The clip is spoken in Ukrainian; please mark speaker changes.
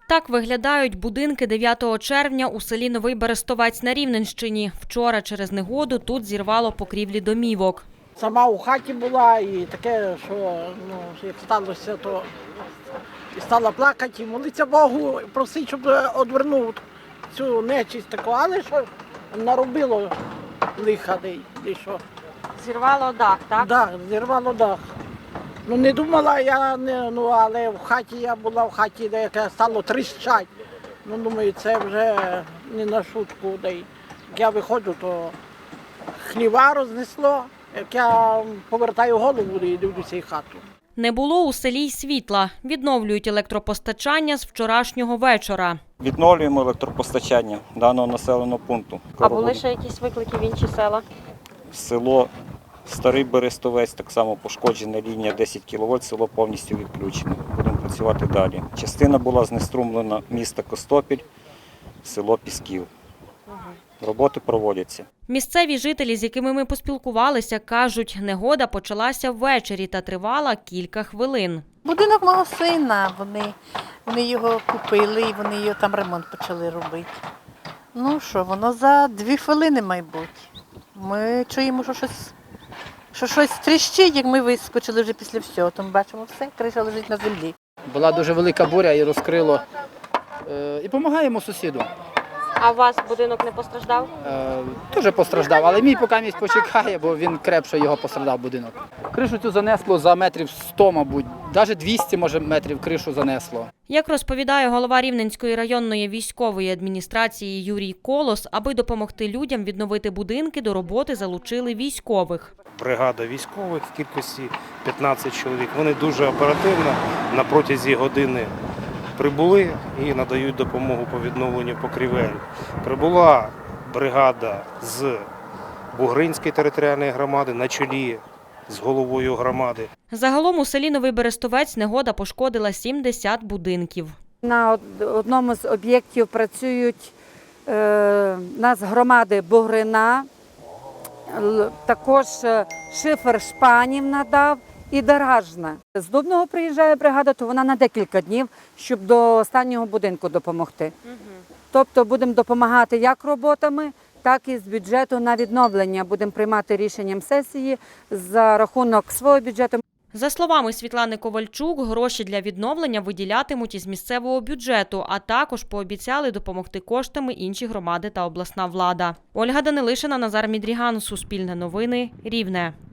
Speaker 1: Так виглядають будинки 9 червня у селі Новий Берестовець на Рівненщині. Вчора через негоду тут зірвало покрівлі домівок.
Speaker 2: Сама у хаті була і таке, що як сталося, то і стала плакати, і молитися Богу, просити, щоб одвернув цю нечисть таку, але що наробило лиха, де що.
Speaker 1: Зірвало дах, так?
Speaker 2: Так, зірвало дах. Не думала я, але в хаті я була, в хаті, де яке стало тріщать. Думаю, це вже не на шутку. Як я виходжу, то хліва рознесло. Як я повертаю голову і дивлюся і хату.
Speaker 1: Не було у селі й світла. Відновлюють електропостачання з вчорашнього вечора.
Speaker 3: Відновлюємо електропостачання даного населеного пункту.
Speaker 1: А були ще якісь виклики в інші села?
Speaker 3: Село Старий Берестовець, так само пошкоджена лінія 10 кВт, село повністю відключене. Будемо працювати далі. Частина була знеструмлена міста Костопіль, село Пісків. Роботи проводяться.
Speaker 1: Місцеві жителі, з якими ми поспілкувалися, кажуть, негода почалася ввечері та тривала кілька хвилин.
Speaker 4: Будинок мого сина, вони його купили і вони його там ремонт почали робити. Воно за 2 хвилини, мабуть. Ми чуємо, що щось тріщить, як ми вискочили вже після всього. Тому бачимо все, криша лежить на землі.
Speaker 5: Була дуже велика буря і розкрило. І допомагаємо сусіду.
Speaker 1: А у вас будинок не постраждав?
Speaker 5: Теж постраждав, але мій поки місць почекає, бо він крепше його постраждав будинок. Кришу цю занесло за метрів 100, мабуть, навіть 200, може, метрів кришу занесло.
Speaker 1: Як розповідає голова Рівненської районної військової адміністрації Юрій Колос, аби допомогти людям відновити будинки, до роботи залучили військових.
Speaker 6: Бригада військових в кількості 15 чоловік. Вони дуже оперативно на протязі години прибули і надають допомогу по відновленню покрівель. Прибула бригада з Бугринської територіальної громади на чолі з головою громади.
Speaker 1: Загалом у селі Новий Берестовець негода пошкодила 70 будинків.
Speaker 7: На одному з об'єктів працюють нас громади Бугрина, також Шифер Шпанів надав і Даражна. З Дубного приїжджає бригада, то вона на декілька днів, щоб до останнього будинку допомогти. Тобто будемо допомагати як роботами, так і з бюджету на відновлення. Будемо приймати рішенням сесії за рахунок свого бюджету.
Speaker 1: За словами Світлани Ковальчук, гроші для відновлення виділятимуть із місцевого бюджету, а також пообіцяли допомогти коштами інші громади та обласна влада. Ольга Данилишина, Назар Мідріган, Суспільне новини, Рівне.